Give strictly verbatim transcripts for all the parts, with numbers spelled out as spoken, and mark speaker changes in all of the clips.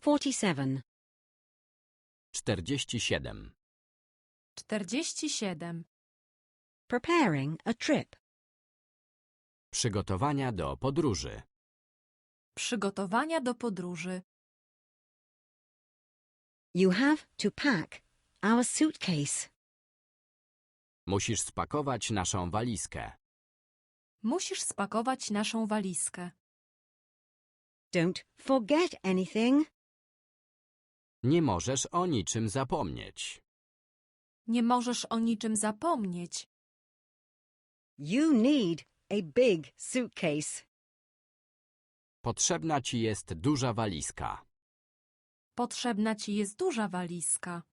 Speaker 1: forty-seven.
Speaker 2: czterdzieści siedem.
Speaker 3: czterdzieści siedem.
Speaker 1: Preparing a trip.
Speaker 2: Przygotowania do podróży.
Speaker 3: Przygotowania do podróży.
Speaker 1: You have to pack our suitcase.
Speaker 2: Musisz spakować naszą walizkę.
Speaker 3: Musisz spakować naszą walizkę.
Speaker 1: Don't forget anything.
Speaker 2: Nie możesz o niczym zapomnieć.
Speaker 3: Nie możesz o niczym zapomnieć.
Speaker 1: You need a big suitcase.
Speaker 2: Potrzebna ci jest duża walizka.
Speaker 3: Potrzebna ci jest duża walizka.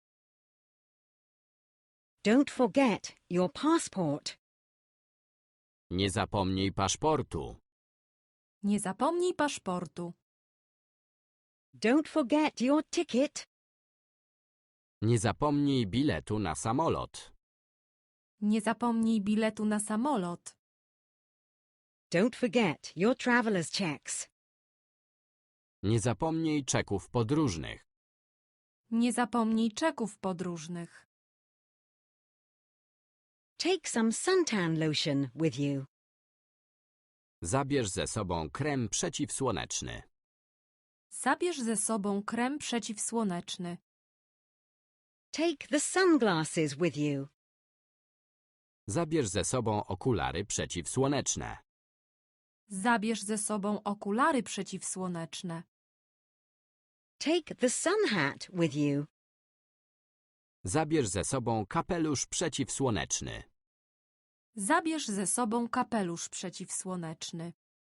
Speaker 1: Don't forget your passport.
Speaker 2: Nie zapomnij paszportu.
Speaker 3: Nie zapomnij paszportu.
Speaker 1: Don't forget your ticket.
Speaker 2: Nie zapomnij biletu na samolot.
Speaker 3: Nie zapomnij biletu na samolot.
Speaker 1: Don't forget your traveler's checks.
Speaker 2: Nie zapomnij czeków podróżnych.
Speaker 3: Nie zapomnij czeków podróżnych.
Speaker 1: Take some suntan lotion with you.
Speaker 2: Zabierz ze sobą krem przeciwsłoneczny.
Speaker 3: Zabierz ze sobą krem przeciwsłoneczny.
Speaker 1: Take the sunglasses with you.
Speaker 2: Zabierz ze sobą okulary przeciwsłoneczne.
Speaker 3: Zabierz ze sobą okulary przeciwsłoneczne.
Speaker 1: Take the sun hat with you.
Speaker 2: Zabierz ze sobą kapelusz przeciwsłoneczny.
Speaker 3: Zabierz ze sobą kapelusz przeciwsłoneczny.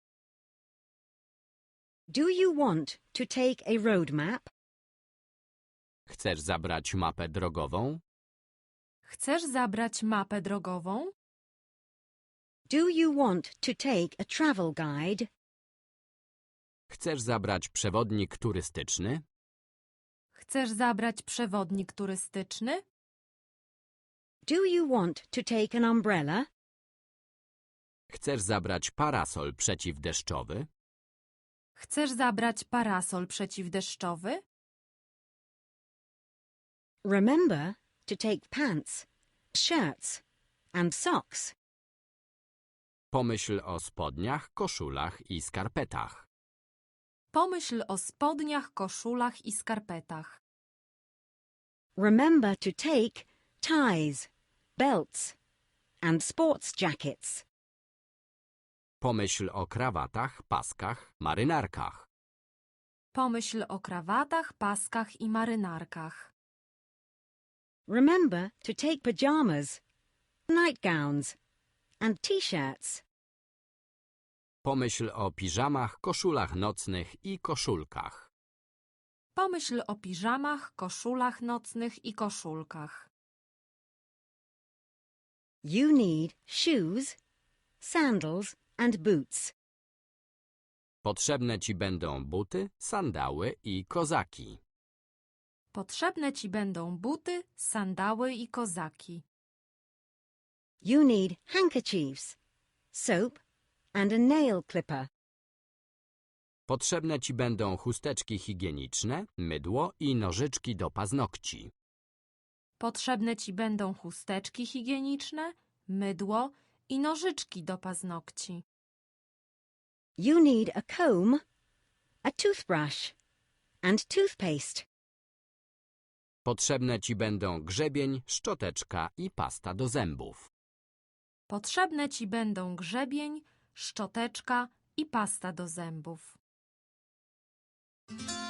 Speaker 1: Do you want to take a road map?
Speaker 2: Chcesz zabrać mapę drogową?
Speaker 3: Chcesz zabrać mapę drogową?
Speaker 1: Do you want to take a travel guide?
Speaker 2: Chcesz zabrać przewodnik turystyczny?
Speaker 3: Chcesz zabrać przewodnik turystyczny?
Speaker 1: Do you want to take an umbrella?
Speaker 2: Chcesz zabrać parasol przeciwdeszczowy?
Speaker 3: Chcesz zabrać parasol przeciwdeszczowy?
Speaker 1: Remember to take pants, shirts and socks.
Speaker 2: Pomyśl o spodniach, koszulach i skarpetach.
Speaker 3: Pomyśl o spodniach, koszulach i skarpetach.
Speaker 1: Remember to take ties, belts and sports jackets.
Speaker 2: Pomyśl o krawatach, paskach, marynarkach.
Speaker 3: Pomyśl o krawatach, paskach i marynarkach.
Speaker 1: Remember to take pajamas, nightgowns and t-shirts.
Speaker 2: Pomyśl o piżamach, koszulach nocnych i koszulkach.
Speaker 3: Pomyśl o piżamach, koszulach nocnych i koszulkach.
Speaker 1: You need shoes, sandals and boots.
Speaker 2: Potrzebne ci będą buty, sandały i kozaki.
Speaker 3: Potrzebne ci będą buty, sandały i kozaki.
Speaker 1: You need handkerchiefs, soap and a nail clipper.
Speaker 2: Potrzebne ci będą chusteczki higieniczne, mydło i nożyczki do paznokci.
Speaker 3: Potrzebne ci będą chusteczki higieniczne, mydło i nożyczki do paznokci.
Speaker 1: You need a comb, a toothbrush and toothpaste.
Speaker 2: Potrzebne ci będą grzebień, szczoteczka i pasta do zębów.
Speaker 3: Potrzebne ci będą grzebień, szczoteczka i pasta do zębów.